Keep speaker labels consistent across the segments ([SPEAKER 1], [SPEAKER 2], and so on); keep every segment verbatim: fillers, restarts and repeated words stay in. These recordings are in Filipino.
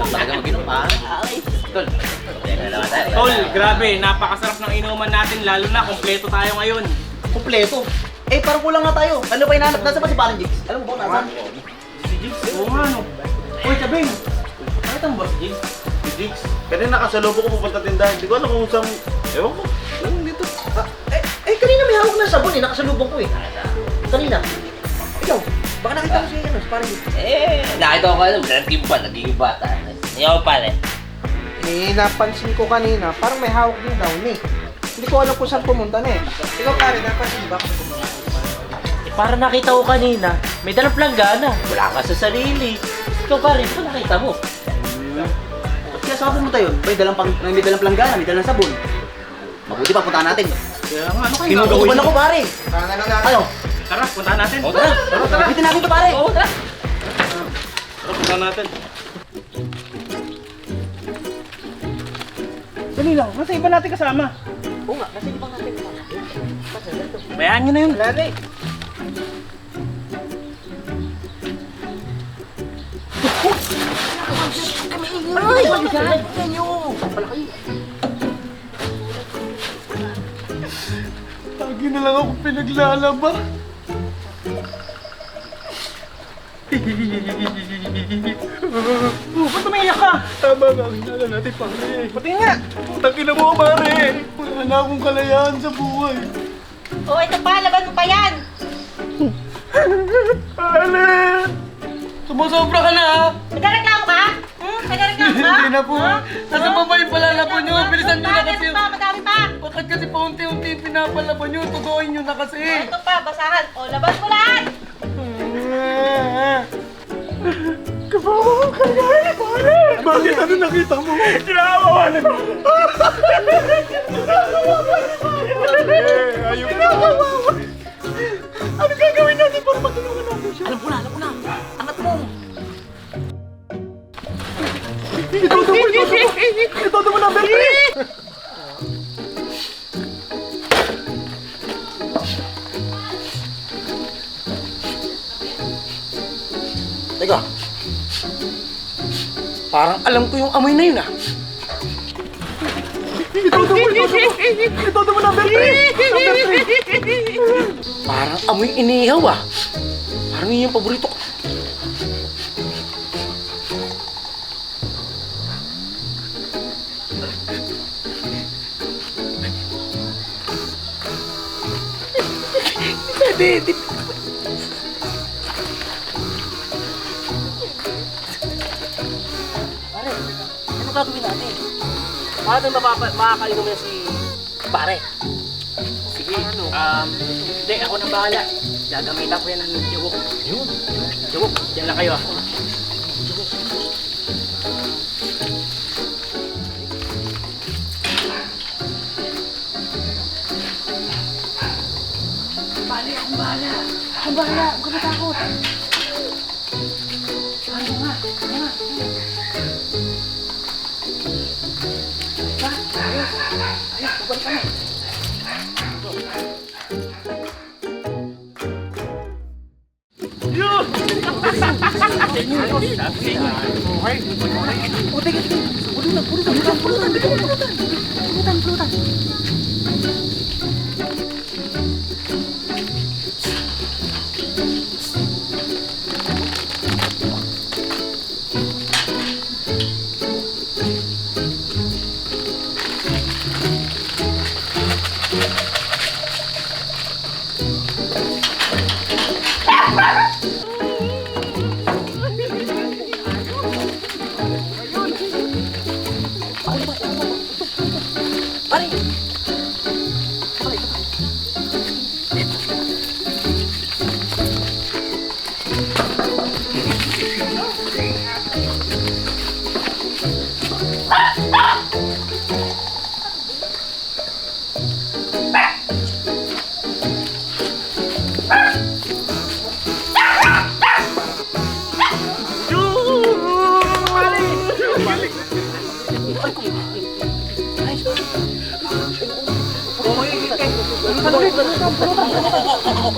[SPEAKER 1] Talaga mag-inom, pare. Tol,
[SPEAKER 2] Tol, grabe, napakasarap ng inuman natin, lalo na kompleto tayo ngayon.
[SPEAKER 1] kumpleto. Eh, parang kulang nga tayo. Ano ba hinahanap? Nasa ba si Parang Jigs? Alam mo ba kung nasaan?
[SPEAKER 2] Si Jigs, oo nga no. Uy, Chabeng, bakit ang boss Jigs?
[SPEAKER 3] Si Jigs, kanina nakasalubong ko pupunta tindahan. Hindi ko alam kung saan, ewan ko, lang dito.
[SPEAKER 1] Ah, eh, eh, kanina may hawak na sabon eh. Nakasalubong ko eh. Kanina. Ikaw, baka nakita mo si ano, si Parang Jigs.
[SPEAKER 4] Eh, nakita ko kayo, naging ba, naging bata. Ikaw pare.
[SPEAKER 5] Eh, napansin ko kanina, parang may hawak din daw eh. Hindi ko alam kung saan pumunta na eh. Ikaw pare, napansin ba?
[SPEAKER 4] Eh, para nakita ko kanina, may dalang planggana. Wala ka sa sarili. Ikaw pare, ito nakita mo.
[SPEAKER 1] Ba't kaya saan pumunta yun? May dalang, pang, may dalang planggana, may dalang sabon. Mabuti pa, puntahan natin.
[SPEAKER 2] Kaya nga, ano kayo
[SPEAKER 1] Kinukuban ako pare.
[SPEAKER 5] Tara na lang natin.
[SPEAKER 1] Ano?
[SPEAKER 2] Tara, puntahan natin.
[SPEAKER 4] O tara,
[SPEAKER 1] Tara, tara. Bitin natin ito pare.
[SPEAKER 4] Oo, tara.
[SPEAKER 2] Tara, puntahan natin.
[SPEAKER 5] Dali lang, nasa iba natin kasama.
[SPEAKER 1] Oo nga, kasi di ba natin ito?
[SPEAKER 2] Bayaan nyo na yun.
[SPEAKER 5] Wala na eh.
[SPEAKER 1] Ay, yan. Yan Pala kayo.
[SPEAKER 5] Lagi na lang ako pinaglalaba.
[SPEAKER 2] Oh, ba't umiiyak ka?
[SPEAKER 5] Tama nga, hinala natin pare. Pati nga, putang ina mo pare. Wala na akong kalayaan sa buhay.
[SPEAKER 6] Oh, ito pa, laban mo pa yan!
[SPEAKER 5] Ale! Sumusobra ka na ha?
[SPEAKER 6] Nagreklamo ka? Hmm? Nagreklamo ka?
[SPEAKER 5] Hindi na po.
[SPEAKER 6] Ha?
[SPEAKER 5] Nasa
[SPEAKER 6] Ha?
[SPEAKER 5] baba yung palalabon nyo. Bilisan nyo na
[SPEAKER 6] Madami
[SPEAKER 5] kasi.
[SPEAKER 6] pa, madami pa!
[SPEAKER 5] Bakit kasi paunti-unti yung pinapalaban nyo? Tutuin nyo na kasi.
[SPEAKER 6] Ito pa, basahan. O, laban mo lahat!
[SPEAKER 5] Kabawa ka na eh, pare! Bakit ano nakita mo? Kinakawalan mo! Ayun na! Ano gagawin natin para matulungan natin siya?
[SPEAKER 1] Alam ko na, alam ko na. Angat mo.
[SPEAKER 5] Itodo mo, itodo mo! Itodo mo number three!
[SPEAKER 1] Teka. Parang alam ko yung amoy na yun ah.
[SPEAKER 5] Itodo mo, itodo mo! Itodo mo number three! Number three!
[SPEAKER 1] Parang amoy inihaw ah. Parang yun yung paborito ko. Di, di. Pare, ano gagawin natin? Paano mapapa- makakainom na si pare?
[SPEAKER 2] Sige, um, hindi, ako nang bahala. Gagamitan ko yan ng jawok. Yun. Jawok, dyan lang kayo ah.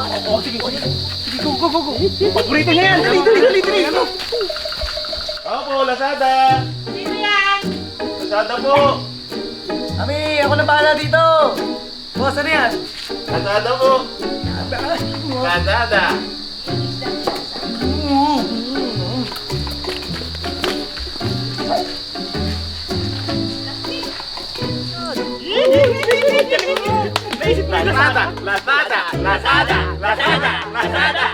[SPEAKER 5] Paborito niya yan! Dali, dali, dali, dali! Ano?
[SPEAKER 3] Ako po po, Lazada!
[SPEAKER 6] Sino yan?
[SPEAKER 3] Lazada po!
[SPEAKER 1] Ami, ako na bahala dito. Boss, ano yan?
[SPEAKER 3] Lazada po! Lazada! Lazada! Lazada! Lazada! Lazada! Lazada!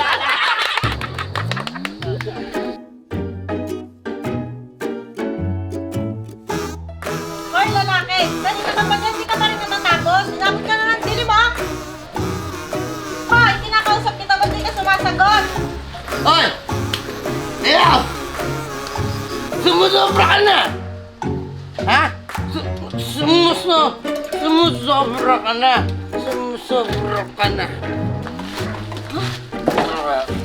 [SPEAKER 6] Hoy, lalaki! Dali naman ba yan? Di ka pa rin natatapos? Inabot ka na ng dilim, ha? Hoy, kinakausap kita, ba't di ka sumasagot?
[SPEAKER 7] Hoy! Ikaw! Sumusobra ka na! Ha? Su- sumuso... Sumusobra ka na! Sumusobra ka na! Huh?